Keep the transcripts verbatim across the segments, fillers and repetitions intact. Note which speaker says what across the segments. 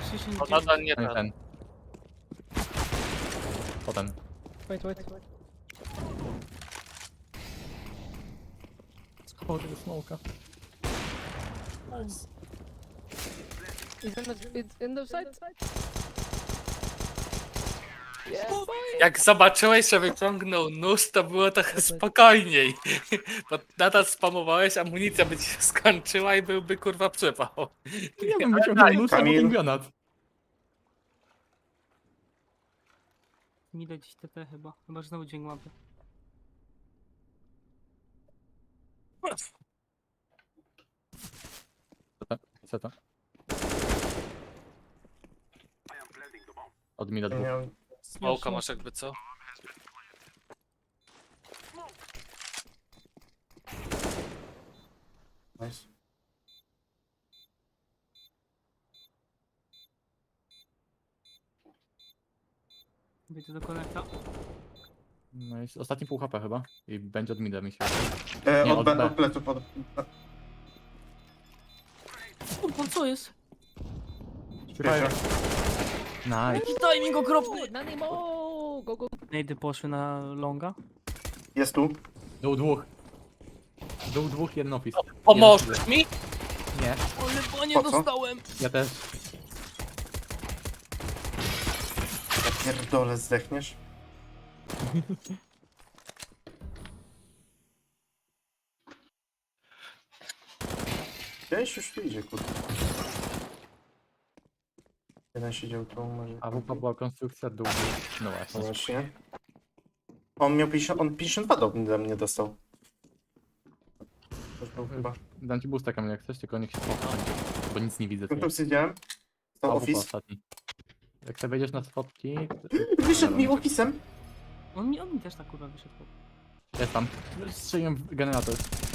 Speaker 1: dziesięć,
Speaker 2: No nadal nie
Speaker 3: Ten,
Speaker 2: ten.
Speaker 3: ten. Potem.
Speaker 4: Wait, wait.
Speaker 3: Schował tego smoka.
Speaker 4: He's in the, it's in the side. Yeah, boy.
Speaker 2: Jak zobaczyłeś, że wyciągnął nóż, to było trochę spokojniej. Bo nadal spamowałeś, amunicja by ci się skończyła i byłby kurwa przypał.
Speaker 3: Ja bym wyciągnął nóż albo
Speaker 5: Kamil.
Speaker 3: ten granat.
Speaker 1: Nie da dziś T T chyba. Chyba, że znowu dźwięk łapy.
Speaker 3: Co to? Co to? Od mida
Speaker 5: Nie
Speaker 3: dwóch.
Speaker 5: miałem...
Speaker 2: Smołka masz jakby co?
Speaker 5: Nice.
Speaker 1: Wyjdę do konekta.
Speaker 3: No jest ostatni pół H P chyba. I będzie od mida mi się.
Speaker 5: E,
Speaker 3: Nie,
Speaker 5: od,
Speaker 3: od
Speaker 5: B,
Speaker 3: B.
Speaker 5: od pleców, od...
Speaker 1: Kurwa, co jest?
Speaker 5: Wiecie.
Speaker 3: Nice.
Speaker 1: Jaki timing okropny!
Speaker 4: Nanimo! Go, go.
Speaker 1: Nejdy poszły na longa.
Speaker 5: Jest tu.
Speaker 3: Dół dwóch. Dół dwóch, jeden office.
Speaker 2: Pomożesz mi?
Speaker 3: Nie,
Speaker 1: Ale panie
Speaker 5: Po co?
Speaker 1: dostałem!
Speaker 3: ja też.
Speaker 5: Ja pierdolę, zdechniesz. Gdzieś już tu idzie, kurde. Jeden siedział tu, może...
Speaker 3: A wupa była konstrukcja dół. No
Speaker 5: No
Speaker 3: właśnie.
Speaker 5: właśnie. On miał pięćdziesiąt, on pięćdziesiąt dwa do ode mnie dostał. To już był chyba.
Speaker 3: Dam ci boosta Kamil jak chcesz, tylko niech się spotka. Bo nic nie widzę.
Speaker 5: Tu siedziałem.
Speaker 3: A
Speaker 5: To
Speaker 3: wupa
Speaker 5: office.
Speaker 3: ostatni. Jak sobie wejdziesz na spotki...
Speaker 5: Wyszedł mi ofisem.
Speaker 1: On mi, on mi też tak kurwa wyszedł.
Speaker 3: Jest tam. Strzeliłem w generator.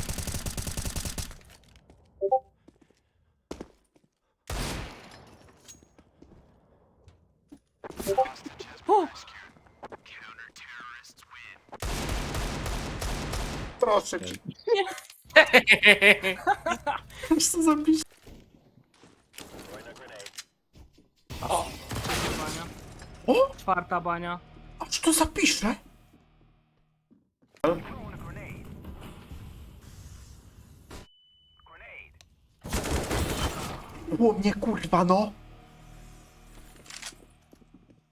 Speaker 1: O!
Speaker 5: Proszę cię. Co za pisz?
Speaker 1: Trzecia bania.
Speaker 5: O!
Speaker 1: Czwarta bania.
Speaker 5: A co to za pisze? O mnie kurwa no!